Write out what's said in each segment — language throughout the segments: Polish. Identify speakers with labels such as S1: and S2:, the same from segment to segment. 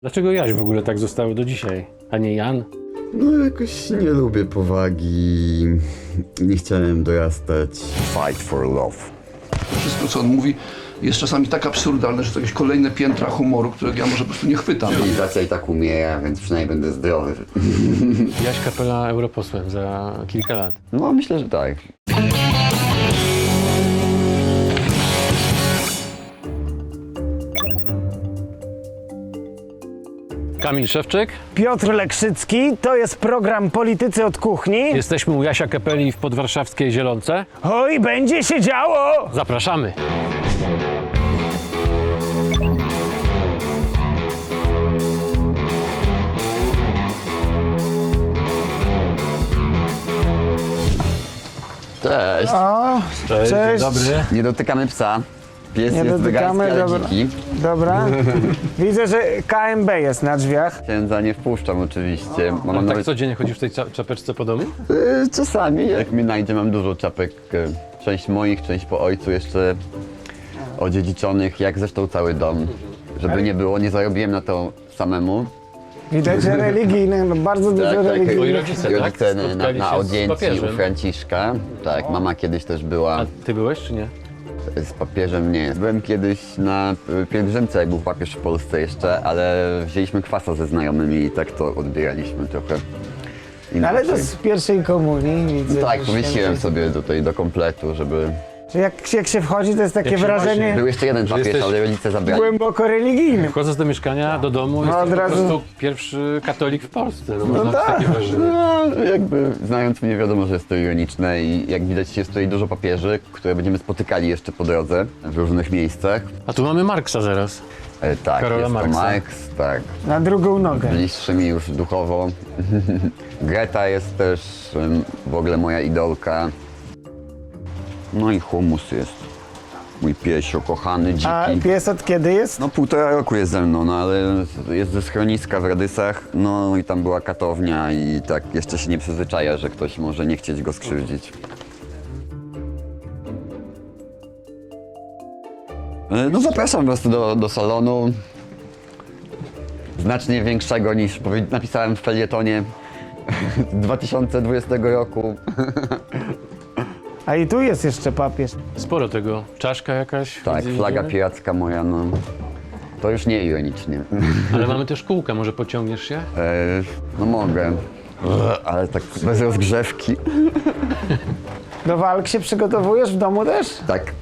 S1: Dlaczego Jaś w ogóle tak zostało do dzisiaj, a nie Jan?
S2: No jakoś nie lubię powagi, nie chciałem dorastać.
S3: Fight for love.
S4: Wszystko, co on mówi, jest czasami tak absurdalne, że to jakieś kolejne piętra humoru, którego ja może po prostu nie chwytam.
S2: Cywilizacja i tak umiera, więc przynajmniej będę zdrowy.
S1: Jaś Kapela europosłem za kilka lat.
S2: No myślę, że tak.
S1: Kamil Szewczyk.
S5: Piotr Lekrzycki, to jest program Politycy od Kuchni.
S1: Jesteśmy u Jasia Kapeli w podwarszawskiej Zielonce.
S5: Oj, będzie się działo!
S1: Zapraszamy.
S2: Cześć.
S5: O,
S1: Cześć,
S5: Cześć.
S1: dzień dobry.
S2: Nie dotykamy psa. Pies
S5: nie
S2: jest wegański,
S5: dotykamy,
S2: ale
S5: dobra.
S2: dziki.
S5: Dobra. Widzę, że KMB jest na drzwiach.
S2: Księdza nie wpuszczam oczywiście. Mam
S1: Tak
S2: nawet...
S1: codziennie chodzisz w tej czapeczce po domu?
S2: Czasami, jak mi najdzie, mam dużo czapek. Część moich, część po ojcu jeszcze odziedziczonych, jak zresztą cały dom. Żeby nie było, nie zarobiłem na to samemu.
S5: Widać, że religijny, no bardzo dużo
S1: Twoi
S5: religijnych.
S1: rodzice, tak?
S2: Rodzice
S1: Spotkali
S2: na
S1: się z
S2: audiencji u
S1: papieżem.
S2: Franciszka. Tak, mama kiedyś też była
S1: A ty byłeś czy nie?
S2: z papieżem, nie. Byłem kiedyś na pielgrzymce, jak był papież w Polsce jeszcze, ale wzięliśmy kwasa ze znajomymi i tak to odbieraliśmy trochę inaczej.
S5: Ale to z pierwszej komunii widzę.
S2: Tak,
S5: że
S2: pomyśliłem
S5: święty.
S2: sobie tutaj do kompletu, żeby...
S5: Że jak się wchodzi, to jest takie
S1: Jak się
S5: wrażenie
S2: Był jeszcze jeden
S1: Że
S2: papież,
S1: jesteś
S2: ale rodzice zabrali.
S5: głęboko religijny.
S1: Wchodzę do mieszkania, do domu,
S5: No,
S1: jesteś
S5: od
S1: po
S5: razu-
S1: prostu pierwszy katolik w Polsce. No, można
S5: tak.
S1: takie wrażenie.
S2: No, jakby znając mnie wiadomo, że jest to ironiczne i jak widać jest tutaj dużo papieży, które będziemy spotykali jeszcze po drodze w różnych miejscach.
S1: A tu mamy Marksa zaraz.
S2: Tak,
S1: Karola
S2: jest
S1: Marksa.
S2: to Marx, tak.
S5: Na drugą nogę.
S2: Bliższy mi już duchowo. Greta jest też w ogóle moja idolka. No i Humus jest. Mój piesio, kochany, dziki.
S5: A pies od kiedy jest?
S2: No 1,5 roku jest ze mną, no ale jest ze schroniska w Radysach, no i tam była katownia i tak jeszcze się nie przyzwyczaja, że ktoś może nie chcieć go skrzywdzić. No zapraszam was do salonu, znacznie większego niż napisałem w felietonie 2020 roku.
S5: A i tu jest jeszcze papież.
S1: Sporo tego. Czaszka jakaś.
S2: Tak,
S1: widzę,
S2: flaga
S1: widzimy.
S2: piracka moja, no to już nie ironicznie.
S1: Ale mamy też kółka, może pociągniesz się?
S2: No mogę, ale tak bez rozgrzewki.
S5: Do walk się przygotowujesz w domu też?
S2: Tak.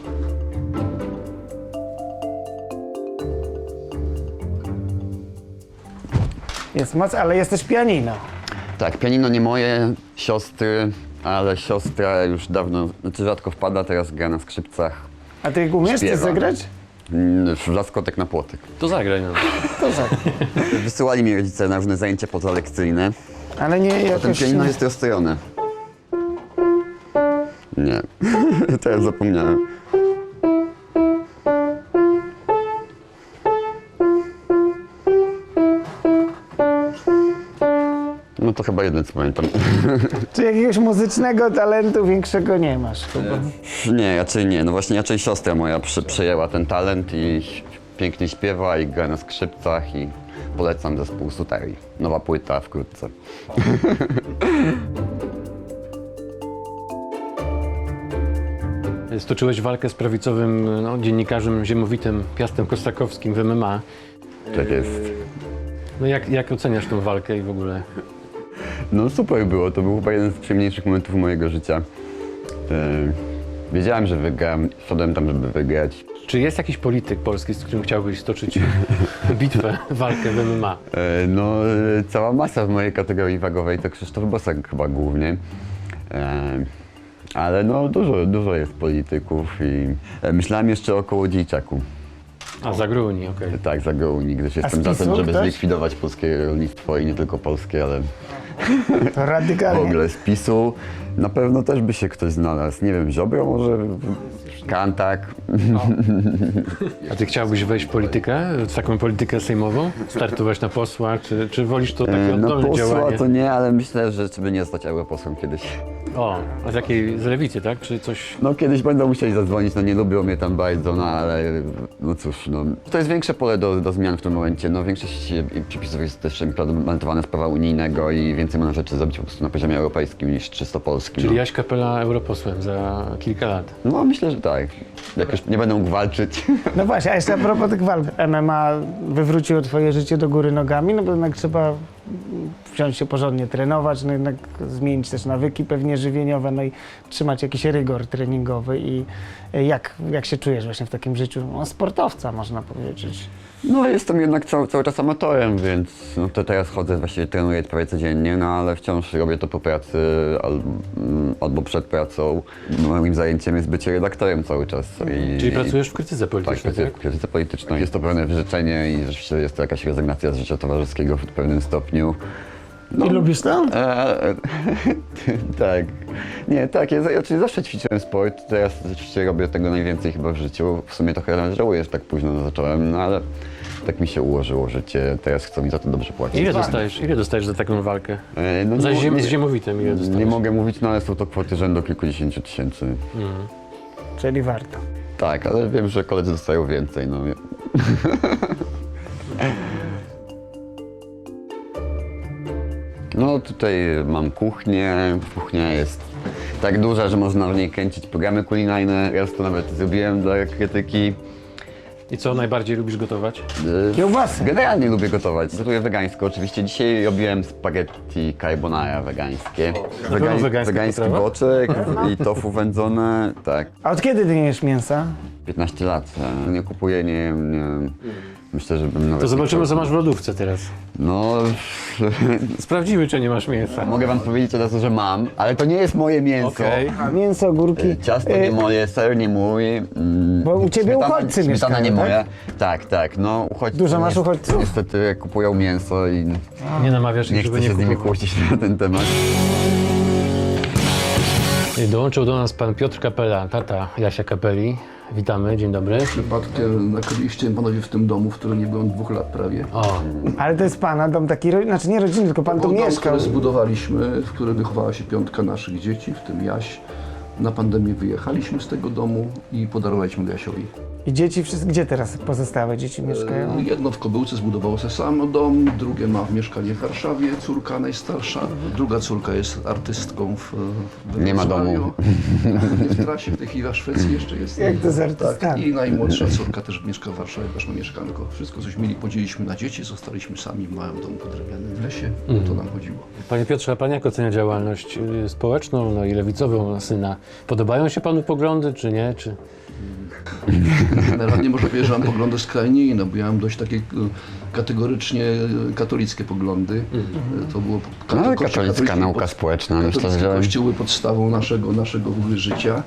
S5: Jest moc, ale jest też pianino.
S2: Tak, pianino nie moje, siostry, ale siostra już dawno, znaczy rzadko wpada, teraz gra na skrzypcach.
S5: A ty umiesz coś
S2: Śpiewa.
S5: zagrać?
S2: W laskotek na płotek.
S1: To zagraj no.
S5: To za.
S2: Wysyłali mi rodzice na różne zajęcia pozalekcyjne.
S5: Ale nie
S2: Potem
S5: jakoś...
S2: pianino jest rozstrojone. Nie, teraz zapomniałem. No to chyba jeden co pamiętam.
S5: Czy jakiegoś muzycznego talentu większego nie masz?
S2: Nie, raczej nie. No właśnie raczej siostra moja przejęła ten talent i pięknie śpiewa i gra na skrzypcach i polecam zespół Suterii. Nowa płyta wkrótce.
S1: Stoczyłeś walkę z prawicowym dziennikarzem ziemowitym Piastem Kostakowskim w MMA.
S2: Tak jest.
S1: No jak oceniasz tą walkę i w ogóle?
S2: No super było, to był chyba jeden z przyjemniejszych momentów mojego życia. Wiedziałem, że wygram, szedłem tam, żeby wygrać.
S1: Czy jest jakiś polityk polski, z którym chciałbyś stoczyć bitwę, walkę w MMA?
S2: Cała masa w mojej kategorii wagowej to Krzysztof Bosak chyba głównie. Ale no dużo jest polityków i myślałem jeszcze o Kołodziejczaku.
S1: A, Zagruni, okej.
S2: Tak, za Gołuni, gdyż jestem
S5: z
S2: za
S5: PiS-u
S2: tym, żeby
S5: ktoś?
S2: zlikwidować polskie rolnictwo i nie tylko polskie, ale
S5: To
S2: w
S5: radykalnie.
S2: ogóle z PiS-u na pewno też by się ktoś znalazł. Nie wiem, Ziobro może, Kantak.
S1: A ty chciałbyś wejść w politykę, w taką politykę sejmową? Startować na posła, czy wolisz to takie
S2: No
S1: oddolne
S2: posła
S1: działanie?
S2: to nie, ale myślę, że żeby nie zostać europosłem kiedyś.
S1: O, a z jakiej, z lewicy, tak? Czy coś...
S2: No kiedyś będą musieli zadzwonić, no nie lubią mnie tam bardzo, no ale no cóż, no. To jest większe pole do zmian w tym momencie, no większość przepisów jest też implementowana z prawa unijnego i więcej można rzeczy zrobić po prostu na poziomie europejskim niż czysto polskim.
S1: Czyli
S2: no.
S1: Jaś Kapela europosłem za kilka lat.
S2: No myślę, że tak. Jak już nie będę mógł walczyć.
S5: No właśnie, a jeszcze a propos tych walk. MMA wywróciło twoje życie do góry nogami, no bo jednak trzeba wziąć się porządnie trenować, no jednak zmienić też nawyki pewnie żywieniowe, no i trzymać jakiś rygor treningowy i jak się czujesz właśnie w takim życiu no, sportowca, można powiedzieć.
S2: No jestem jednak cały czas amatorem, więc no, to teraz chodzę, właściwie trenuję prawie codziennie, no ale wciąż robię to po pracy albo przed pracą. Moim zajęciem jest bycie redaktorem cały czas.
S1: Czyli pracujesz w krytyce
S2: Tak,
S1: politycznej,
S2: pracuję
S1: tak?
S2: w krytyce politycznej. Jest to pewne wyrzeczenie i rzeczywiście jest to jakaś rezygnacja z życia towarzyskiego w pewnym stopniu.
S5: I lubisz to?
S2: Tak. Nie, tak, ja oczywiście zawsze ćwiczyłem sport, teraz rzeczywiście robię tego najwięcej chyba w życiu. W sumie trochę żałuję, że tak późno zacząłem, no ale tak mi się ułożyło życie, teraz chcą mi za to dobrze płacić.
S1: Ile dostajesz za taką walkę?
S2: No,
S1: Za
S2: nie,
S1: z ziemowitem ile dostajesz?
S2: nie mogę mówić, no ale są to kwoty rzędu kilkudziesięciu tysięcy.
S5: Czyli warto.
S2: Tak, ale wiem, że koledzy dostają więcej, no. No tutaj mam kuchnię, kuchnia jest tak duża, że można w niej kręcić programy kulinarne. Raz to nawet zrobiłem dla krytyki.
S1: I co najbardziej lubisz gotować?
S5: Kiełbasy.
S2: Generalnie lubię gotować. Gotuję wegańsko oczywiście. Dzisiaj robiłem spaghetti carbonara wegańskie.
S1: pewno wegańska
S2: Wegański
S1: potrawa?
S2: boczek i tofu wędzone, tak.
S5: A od kiedy ty nie jesz mięsa?
S2: 15 lat. Nie kupuję, nie myślę, że bym nawet...
S1: To zobaczymy,
S2: nie
S1: co
S2: chciał.
S1: masz w lodówce teraz.
S2: No,
S1: Sprawdzimy, czy nie masz mięsa.
S2: mogę wam powiedzieć od razu, że mam, ale to nie jest moje mięso.
S1: Okej.
S5: A mięso, ogórki.
S2: Ciasto nie moje, ser nie mój.
S5: Bo u ciebie uchodźcy
S2: Śmietana nie
S5: mieszkają,
S2: moja. Tak, no uchodźcy.
S5: Dużo masz uchodźców?
S2: Niestety kupują mięso i
S1: Nie namawiasz ich,
S2: nie
S1: żeby
S2: chcę
S1: nie
S2: się z nimi
S1: kupować.
S2: kłócić na ten temat.
S1: Dołączył do nas pan Piotr Kapela, tata Jasia Kapeli. Witamy, dzień dobry.
S4: Przypadkiem nakryliście panowie w tym domu, w którym nie byłem 2 lat prawie.
S1: O,
S5: Ale to jest pana dom taki, znaczy nie rodzinny, tylko pan tu
S4: Był dom,
S5: mieszkał.
S4: który zbudowaliśmy, w którym wychowała się 5 naszych dzieci, w tym Jaś. Na pandemię wyjechaliśmy z tego domu i podarowaliśmy go Jasiowi.
S5: I dzieci wszystkie, gdzie teraz pozostałe dzieci mieszkają?
S4: Jedno w Kobyłce zbudowało sobie samo dom, drugie ma mieszkanie w Warszawie, córka najstarsza. Druga córka jest artystką w
S2: Nie ma
S4: Wrocławiu.
S2: domu.
S4: W trasie, w tej chwili w Szwecji jeszcze jest.
S5: Jak to z
S4: Tak,
S5: artystami?
S4: i najmłodsza córka też mieszka w Warszawie, też ma mieszkanko. Wszystko, coś mieli, podzieliliśmy na dzieci, zostaliśmy sami w małym domku drewnianym w lesie. O to nam chodziło.
S1: panie Piotrze, a pan jak ocenia działalność społeczną, no i lewicową syna? Podobają się panu poglądy, czy nie? Czy...
S4: Generalnie można powiedzieć, że mam poglądy skrajnie inne, bo ja mam dość takie kategorycznie katolickie poglądy. To było
S2: No ale
S4: Kościół
S2: katolicka
S4: katolicki
S2: nauka
S4: pod-
S2: społeczna, myślę,
S4: katolicki
S2: że...
S4: Kościół był podstawą naszego w ogóle życia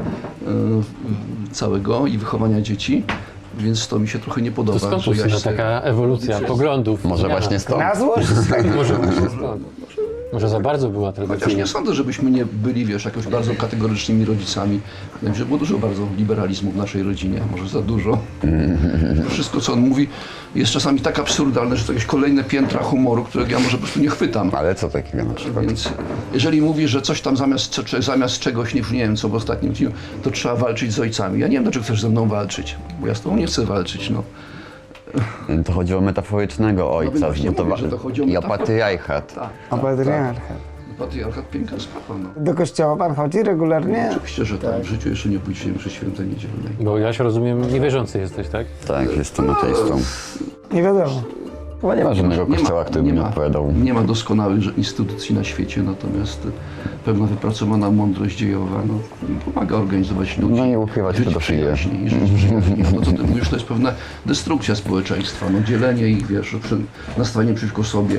S4: całego i wychowania dzieci, więc to mi się trochę nie podoba.
S1: To skąd
S4: że
S1: tu syna
S4: Jaś se-
S1: taka ewolucja poglądów?
S2: Może
S1: Zmiana.
S2: właśnie stąd.
S5: Na złość?
S1: Może właśnie stąd. Może za bardzo była
S4: Chociaż
S1: tradycyjna.
S4: nie sądzę, żebyśmy nie byli, wiesz, jakoś bardzo kategorycznymi rodzicami. Wydaje mi się, że było dużo bardzo liberalizmu w naszej rodzinie, może za dużo. To wszystko, co on mówi, jest czasami tak absurdalne, że to jakieś kolejne piętra humoru, którego ja może po prostu nie chwytam.
S2: Ale co takiego na przykład?
S4: Więc jeżeli mówi, że coś tam zamiast czegoś, nie wiem co w ostatnim dniu, to trzeba walczyć z ojcami. Ja nie wiem, dlaczego chcesz ze mną walczyć, bo ja z tobą nie chcę walczyć, no.
S2: To chodzi o metaforycznego ojca
S4: właśnie mówię, że to chodzi o
S2: i o
S4: metaforę.
S2: patriarchat.
S4: Tak,
S5: O patriarchat.
S4: patriarchat piękna sprawa, no.
S5: Do kościoła pan chodzi regularnie?
S4: Oczywiście, że tak. W życiu jeszcze nie pójdziemy przy świętej niedzielnej.
S1: Bo Jaś, rozumiem, niewierzący jesteś, tak?
S2: Tak, jestem ateistą.
S5: Nie wiadomo.
S2: Chyba nie ma żadnego kościoła, który by nie odpowiadał.
S4: Nie ma doskonałych instytucji na świecie, natomiast pewna wypracowana mądrość dziejowa pomaga organizować ludzi.
S2: No i ukrywać
S4: żyć
S2: pedofilię.
S4: przyjaźnie i żyć przyjaźnie. No to co ty mówisz, to jest pewna destrukcja społeczeństwa, dzielenie ich, wiesz, nastawienie przeciwko sobie.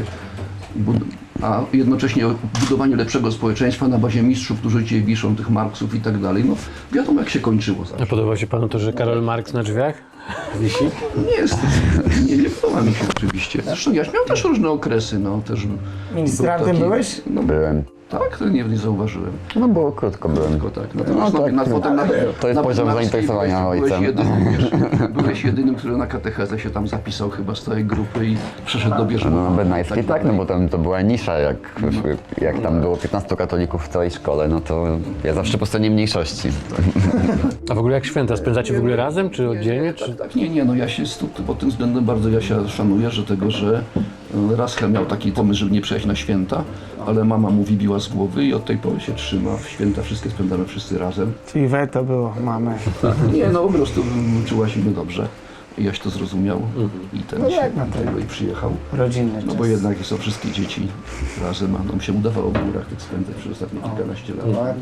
S4: A jednocześnie budowanie lepszego społeczeństwa na bazie mistrzów, którzy cię wiszą, tych Marksów i tak dalej. No wiadomo, jak się kończyło
S1: A
S4: zawsze.
S1: podoba się panu to, że Karol Marx na drzwiach wisi?
S4: Nie jest, nie podoba mi się oczywiście. Zresztą Jaś miał też różne okresy, też...
S5: Ministrantem
S4: był taki-
S5: byłeś?
S4: No,
S2: Byłem.
S4: Tak? To nie zauważyłem.
S2: No bo krótko byłem.
S4: Tylko tak. Natomiast
S2: No tak,
S4: na potem
S2: to jest poziom zainteresowania ojcem.
S4: Byłeś jedynym, który na katechezę się tam zapisał chyba z całej grupy i przeszedł do bierzmowa.
S2: No na Bednajskiej tak, no
S4: dalej.
S2: bo tam to była nisza, jak tam było 15 katolików w całej szkole, no to ja zawsze po stronie mniejszości.
S1: A w ogóle jak święta? Spędzacie w ogóle razem, czy oddzielnie?
S4: Tak,
S1: Czy...
S4: tak, nie, no Jasia pod tym względem bardzo Jasia szanuję, że Rachel miał taki pomysł, żeby nie przyjechać na święta, ale mama mu wybiła z głowy i od tej pory się trzyma. W święta wszystkie spędzamy wszyscy razem.
S5: Czyli weto było, mamy.
S4: Nie, no po prostu czuła się dobrze. I Jaś to zrozumiał i ten
S5: No
S4: się
S5: jak, no to-
S4: tego i przyjechał.
S5: Rodzinny
S4: No
S5: czas.
S4: bo jednak są wszystkie dzieci razem, a nam się udawało w górach tych spędzać przez ostatnie kilkanaście lat.
S5: Ładnie.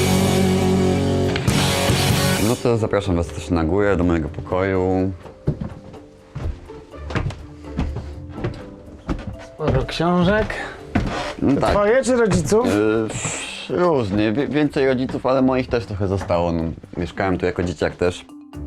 S2: No to zapraszam was też na górę, do mojego pokoju.
S5: Sporo książek.
S2: No tak.
S5: Twoje czy rodziców?
S2: Różnie, więcej rodziców, ale moich też trochę zostało. No, mieszkałem tu jako dzieciak też.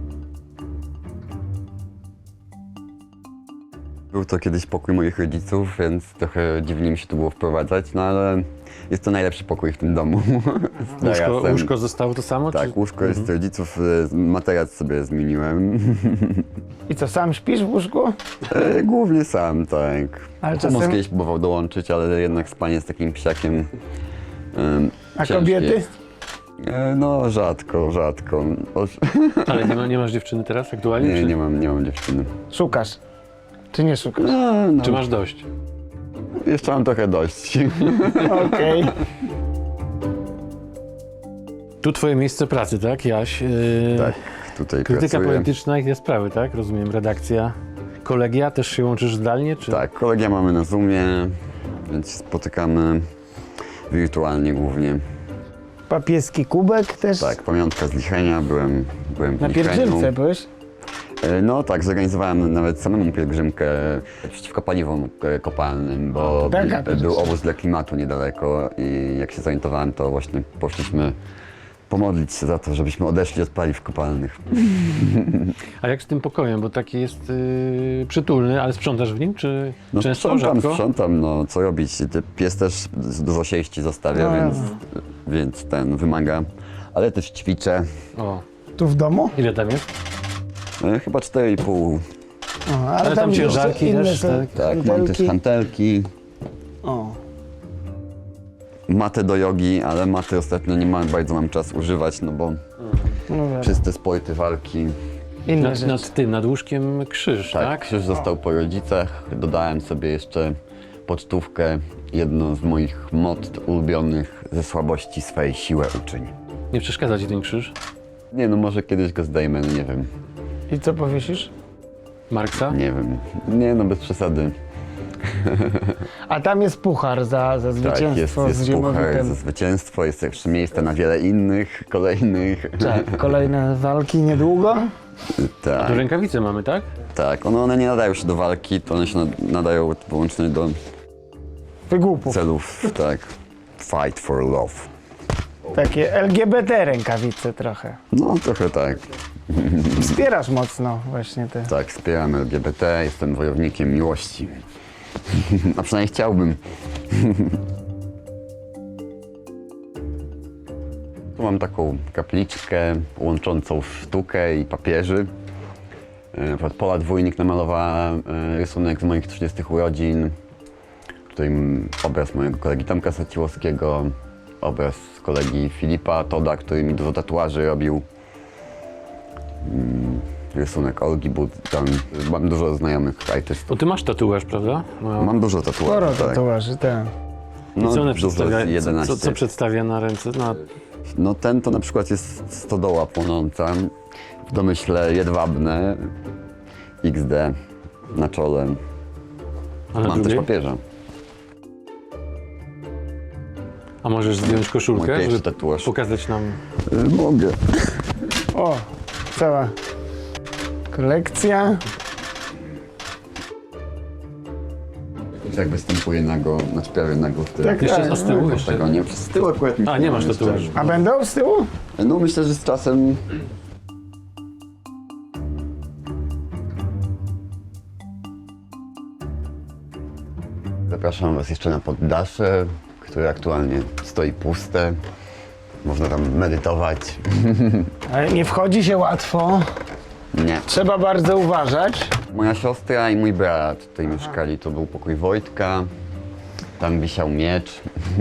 S2: Był to kiedyś pokój moich rodziców, więc trochę dziwnie mi się tu było wprowadzać, no ale jest to najlepszy pokój w tym domu. Z tarasem.
S1: Łóżko zostało to samo?
S2: Tak,
S1: Czy...
S2: łóżko jest rodziców, materac sobie zmieniłem.
S5: I co, sam śpisz w łóżku?
S2: Głównie sam, tak.
S5: Ale
S2: Czasem...
S5: czasem-
S2: kiedyś próbował dołączyć, ale jednak spanie z takim psiakiem
S5: A
S2: ciężkie
S5: kobiety?
S2: jest. No rzadko.
S1: Ale nie masz dziewczyny teraz aktualnie?
S2: Nie,
S1: czy...
S2: nie mam dziewczyny.
S5: Szukasz? Czy nie szukasz?
S2: No,
S1: Czy masz dość?
S2: jeszcze mam trochę dość.
S5: Okej.
S1: Tu twoje miejsce pracy, tak, Jaś?
S2: Tak, tutaj
S1: Krytyka
S2: pracuję.
S1: polityczna i te sprawy, tak? Rozumiem, redakcja. Kolegia też się łączysz zdalnie, czy?
S2: Tak, kolegia mamy na Zoomie, więc się spotykamy wirtualnie głównie.
S5: Papieski kubek też?
S2: Tak, pamiątka z Lichenia, byłem w
S5: Na
S2: Licheniu.
S5: pielgrzymce byłeś?
S2: No tak, zorganizowałem nawet samemu pielgrzymkę przeciwko paliwom kopalnym, bo
S5: Taka
S2: był
S5: pielgrzymka.
S2: obóz dla klimatu niedaleko i jak się zorientowałem, to właśnie poszliśmy pomodlić się za to, żebyśmy odeszli od paliw kopalnych.
S1: A jak z tym pokojem? Bo taki jest przytulny, ale sprzątasz w nim, czy
S2: No
S1: często, rzadko?
S2: sprzątam, no co robić? Pies też dużo sieści zostawia,
S5: No.
S2: więc ten wymaga, ale też ćwiczę.
S1: O,
S5: Tu w domu?
S1: ile tam jest?
S2: Chyba 4,5.
S5: O,
S1: Ale tam
S5: jeszcze
S1: ciężarki
S5: inne
S1: też,
S5: są
S1: tak?
S2: Tak, mam też
S5: hantelki.
S2: hantelki,
S5: O,
S2: matę do jogi, ale maty ostatnio nie bardzo mam czas używać, no bo
S5: no wiadomo.
S2: czyste sporty, walki.
S5: Inne rzeczy.
S1: Nad łóżkiem krzyż,
S2: Tak,
S1: tak?
S2: krzyż został po rodzicach. Dodałem sobie jeszcze pocztówkę, jedną z moich motto ulubionych: ze słabości swej siłę uczyń.
S1: Nie przeszkadza ci ten krzyż?
S2: Nie no, może kiedyś go zdejmę, no nie wiem.
S5: I co powiesisz?
S1: Marksa?
S2: Nie wiem. Nie no, bez przesady.
S5: A tam jest puchar za
S2: Tak,
S5: zwycięstwo
S2: jest
S5: z
S2: puchar
S5: Ziemowitem.
S2: za zwycięstwo, jest jeszcze miejsce na wiele innych, kolejnych.
S5: Tak, kolejne walki niedługo.
S2: Tak,
S1: Tu rękawice mamy, tak?
S2: tak. One nie nadają się do walki, to one się nadają wyłącznie do
S5: Wygłupów.
S2: celów, tak. Fight for love.
S5: Takie LGBT rękawice trochę.
S2: No, trochę tak.
S5: Wspierasz mocno właśnie te.
S2: Tak, wspieram LGBT, jestem wojownikiem miłości. A przynajmniej chciałbym. Tu mam taką kapliczkę łączącą sztukę i papieży. Na przykład Pola Dwójnik namalowała rysunek z moich 30 urodzin. Tutaj obraz mojego kolegi Tomka Saciłowskiego, obraz kolegi Filipa Toda, który mi dużo tatuaży robił. Rysunek Olgi Buddan. Mam dużo znajomych artystów.
S1: Bo ty masz tatuaż, prawda? No.
S2: Mam dużo tatuaży,
S5: Sporo
S2: tak.
S5: tatuaży, tak.
S2: No,
S1: I co one
S2: dużo,
S1: przedstawia?
S2: 11.
S1: Co przedstawia na ręce?
S2: No ten to na przykład jest stodoła płonąca, w domyśle jedwabne, XD na czole.
S1: A na
S2: Mam też
S1: drugiej?
S2: papieża.
S1: A możesz zdjąć
S2: Mój
S1: koszulkę,
S2: pierwszy
S1: żeby
S2: tatuaż.
S1: pokazać nam...
S2: Mogę.
S5: O, cała kolekcja.
S2: Jak występuję nago, znaczy prawie nago w tym.
S5: Tak,
S1: Jeszcze
S5: tak.
S1: z tyłu jeszcze?
S2: Tego nie, z tyłu akurat nic
S1: A, nie masz
S2: mam jeszcze.
S1: tatuażu.
S5: A będą z tyłu?
S2: No myślę, że z czasem... Zapraszam was jeszcze na poddasze, które aktualnie stoi puste. Można tam medytować.
S5: Ale nie wchodzi się łatwo.
S2: Nie.
S5: Trzeba bardzo uważać.
S2: Moja siostra i mój brat tutaj mieszkali. To był pokój Wojtka. Tam wisiał miecz.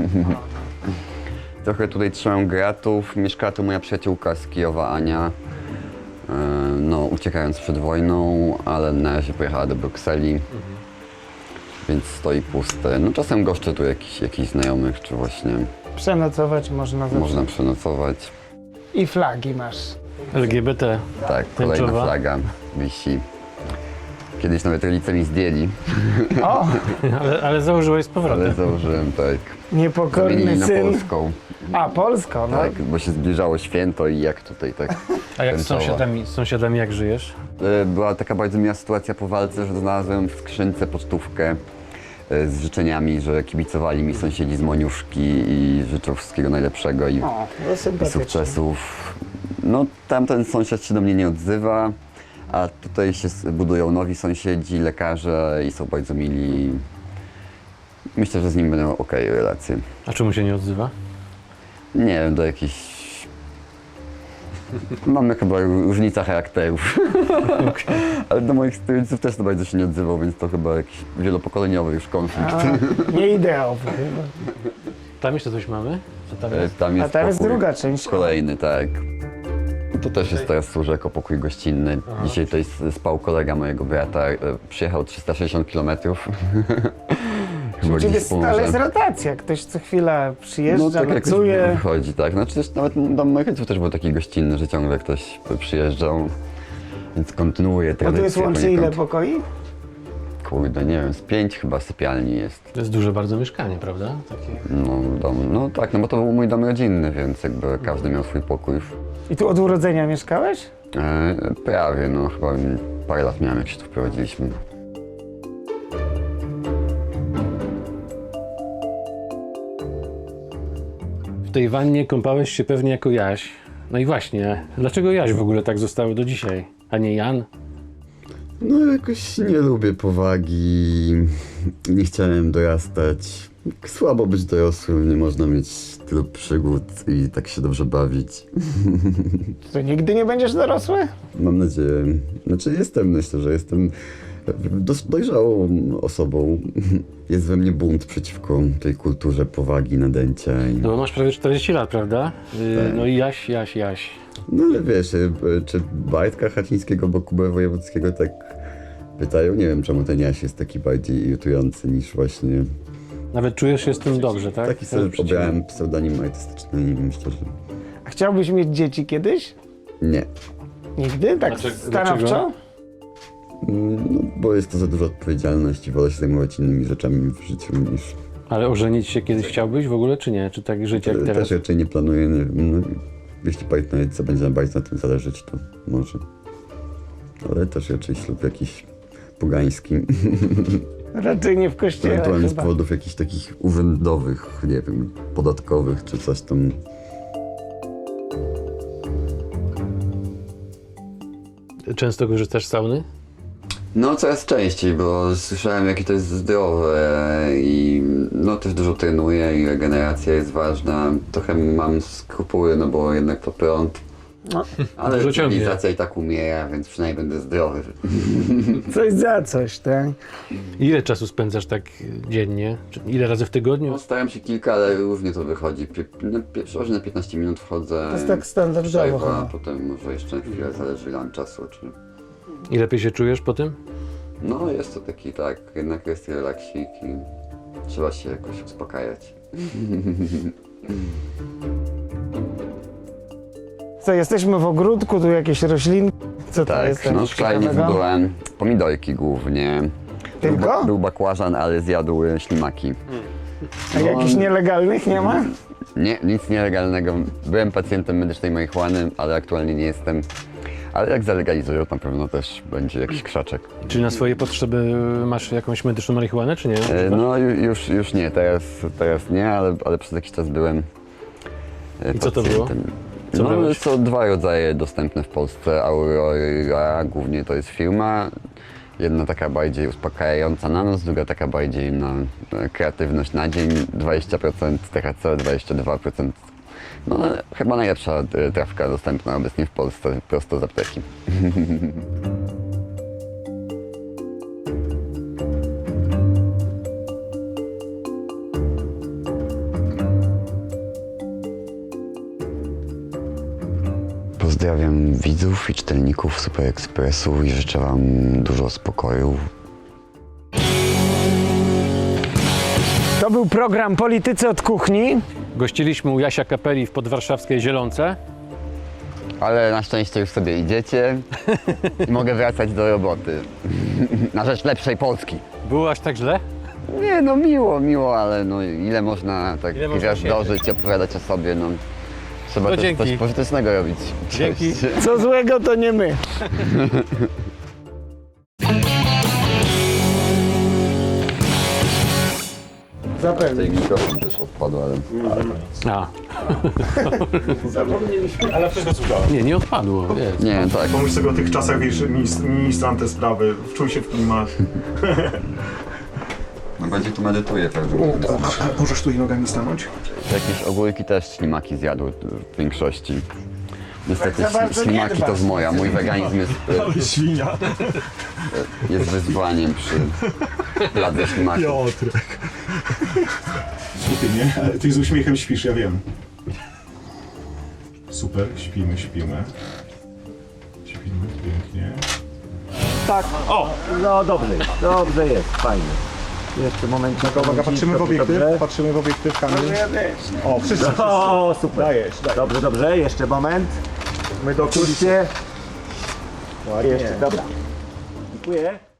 S2: Trochę tutaj trzymam gratów. Mieszkała tu moja przyjaciółka z Kijowa, Ania. No, uciekając przed wojną, ale na razie pojechała do Brukseli. Więc stoi puste. No czasem goszczę tu jakichś znajomych, czy właśnie
S5: Przenocować można zawsze.
S2: można przenocować.
S5: I flagi masz.
S1: LGBT.
S2: Tak, kolejna
S1: Tęczowa.
S2: flaga wisi. Kiedyś nawet rodzice mi zdjęli,
S5: O,
S1: Ale założyłeś z powrotem.
S2: ale założyłem tak.
S5: niepokorny
S2: Zmienili na
S5: syn.
S2: polską.
S5: A, Polsko, no.
S2: Tak, bo się zbliżało święto i jak tutaj tak.
S1: A jak z
S2: tęczowa.
S1: sąsiadami jak żyjesz?
S2: Była taka bardzo miła sytuacja po walce, że znalazłem w skrzynce pocztówkę z życzeniami, że kibicowali mi sąsiedzi z Moniuszki i życzą wszystkiego najlepszego i
S5: O, no
S2: i
S5: sympatycznie.
S2: sukcesów. No tamten sąsiad się do mnie nie odzywa, a tutaj się budują nowi sąsiedzi, lekarze i są bardzo mili. Myślę, że z nim będą okej relacje.
S1: A czemu się nie odzywa?
S2: Nie wiem, do jakichś... Mamy chyba różnica charakterów. Ale do moich rodziców też to bardzo się nie odzywał, więc to chyba jakiś wielopokoleniowy już konflikt.
S5: A, nie ideowy chyba.
S1: Tam jeszcze coś mamy? Co tam jest?
S2: Tam jest
S5: A tam jest
S2: pokój
S5: druga część.
S2: Kolejny, tak. To też jest teraz służy jako pokój gościnny. Dzisiaj tutaj spał kolega mojego brata. Przyjechał 360 km.
S5: U ciebie stale jest rotacja. Ktoś co chwilę
S2: No
S5: przyjeżdża,
S2: tak jakoś
S5: nocuje.
S2: wychodzi, tak. Znaczy też nawet dom moich rodziców też był taki gościnny, że ciągle ktoś przyjeżdżał. Więc kontynuuje
S5: A
S2: tradycję.
S5: tu jest łącznie ile
S2: poniekąd.
S5: pokoi?
S2: Kurde, nie wiem, z 5 chyba sypialni jest.
S1: To jest duże bardzo mieszkanie, prawda? Takie...
S2: No, dom, no tak, no bo to był mój dom rodzinny, więc jakby każdy miał swój pokój.
S5: I tu od urodzenia mieszkałeś?
S2: Prawie, no chyba parę lat miałem, jak się tu wprowadziliśmy.
S1: W tej wannie kąpałeś się pewnie jako Jaś. No i właśnie, dlaczego Jaś w ogóle tak zostały do dzisiaj, a nie Jan?
S2: No jakoś nie lubię powagi, nie chciałem dorastać. Słabo być dorosłym, nie można mieć tylu przygód i tak się dobrze bawić.
S5: To nigdy nie będziesz dorosły?
S2: Mam nadzieję, myślę, że jestem dojrzałą osobą. Jest we mnie bunt przeciwko tej kulturze powagi, nadęcia.
S1: No bo masz prawie 40 lat, prawda? No i Jaś.
S2: No ale wiesz, czy Bajtka Chacińskiego, bo Kubę Wojewódzkiego tak pytają? Nie wiem, czemu ten Jaś jest taki bardziej irytujący niż właśnie...
S1: Nawet czujesz się z tym dobrze, tak?
S2: Taki sobie obrałem pseudonim artystyczny i myślę, że
S5: A chciałbyś mieć dzieci kiedyś?
S2: nie.
S5: Nigdy? Tak
S1: Dlaczego?
S5: stanowczo?
S2: No, bo jest to za duża odpowiedzialność i wolę się zajmować innymi rzeczami w życiu niż...
S1: Ale ożenić się kiedyś chciałbyś w ogóle, czy nie? Czy tak żyć jak teraz?
S2: Też raczej nie planuję, nie wiem, no, jeśli partner będzie bardzo na tym zależeć, to może. Ale też raczej ślub jakiś pogański,
S5: Raczej nie w kościele
S2: ewentualnie z
S5: chyba.
S2: powodów jakichś takich urzędowych, nie wiem, podatkowych czy coś tam.
S1: Często korzystasz z sauny?
S2: No coraz częściej, bo słyszałem jakie to jest zdrowe i no też dużo trenuję i regeneracja jest ważna. Trochę mam skrupuły, no bo jednak to prąd.
S5: No.
S2: Ale
S1: Dużo ciągnie.
S2: cywilizacja i tak umiera, więc przynajmniej będę zdrowy.
S5: Coś za coś, tak?
S1: Ile czasu spędzasz tak dziennie? Czy ile razy w tygodniu?
S2: No, staram się kilka, ale różnie to wychodzi. Przeważnie na 15 minut wchodzę.
S5: To jest tak standardowo
S2: przerwa,
S5: chyba.
S2: potem może jeszcze chwilę, zależy ile mam czasu. Czy...
S1: I lepiej się czujesz po tym?
S2: No jest to taki tak, jednak jest relaksik i trzeba się jakoś uspokajać.
S5: Co, jesteśmy w ogródku, tu jakieś rośliny. Co to jest?
S2: Tak, no
S5: coś
S2: wczoraj
S5: ciekawego?
S2: byłem pomidorki głównie.
S5: Tylko?
S2: Był bakłażan, ale zjadł ślimaki.
S5: A jakichś nielegalnych nie ma?
S2: Nie, nic nielegalnego. Byłem pacjentem medycznej marihuany, ale aktualnie nie jestem. Ale jak zalegalizują, to na pewno też będzie jakiś krzaczek.
S1: Czy na swoje potrzeby masz jakąś medyczną marihuanę, czy nie?
S2: No już nie, teraz nie, ale przez jakiś czas byłem
S1: I co to było?
S2: pacjentem.
S1: Co
S2: No,
S1: brałeś?
S2: są dwa rodzaje dostępne w Polsce. Aurora, głównie to jest firma Jedna taka bardziej uspokajająca na noc, druga taka bardziej na kreatywność na dzień, 20% THC, 22%. No chyba najlepsza trawka dostępna obecnie w Polsce, prosto z apteki. Pozdrawiam widzów i czytelników Super Expressu i życzę Wam dużo spokoju.
S5: To był program Politycy od Kuchni.
S1: Gościliśmy u Jasia Kapeli w podwarszawskiej Zielonce.
S2: Ale na szczęście już sobie idziecie i mogę wracać do roboty. Na rzecz lepszej Polski.
S1: Było aż tak źle?
S2: Nie, no miło, ale no ile można tak
S1: Ile można
S2: gwiazdożyć i opowiadać o sobie, no. Trzeba
S1: No
S2: też
S1: dzięki.
S2: coś pożytecznego robić.
S1: Dzięki.
S2: Cześć.
S5: Co złego to nie my. Zapewne.
S2: Mikrofon też odpadł, ale...
S1: A,
S3: Ale wszystko słuchało.
S1: nie odpadło. Jest.
S2: Nie, tak.
S3: Pomyśl sobie o tych czasach, wiesz, ministrant te sprawy, wczuł się w klimat.
S2: No bardziej tu medytuję pewnie.
S3: Możesz tu i nogami stanąć?
S2: Jakieś ogórki też ślimaki zjadł w większości. Niestety
S5: Tak za bardzo nie
S2: ślimaki to
S5: dbasz.
S2: z moja. Mój weganizm
S3: Świnia.
S2: jest wyzwaniem przy pladze ślimaków.
S3: Piotrek. Słuchaj, nie? Ty z uśmiechem śpisz, ja wiem. Super, śpimy. Śpimy, pięknie.
S6: Tak. O! No dobrze jest, fajnie. Jeszcze moment.
S3: Uwaga, patrzymy w obiektyw, Kamil. O, wszyscy.
S6: O, super.
S3: Dajesz.
S6: Dobrze, jeszcze moment.
S3: My do kulisy.
S6: Kurczcie.
S3: Ładnie.
S6: Jeszcze, dobra. Dziękuję.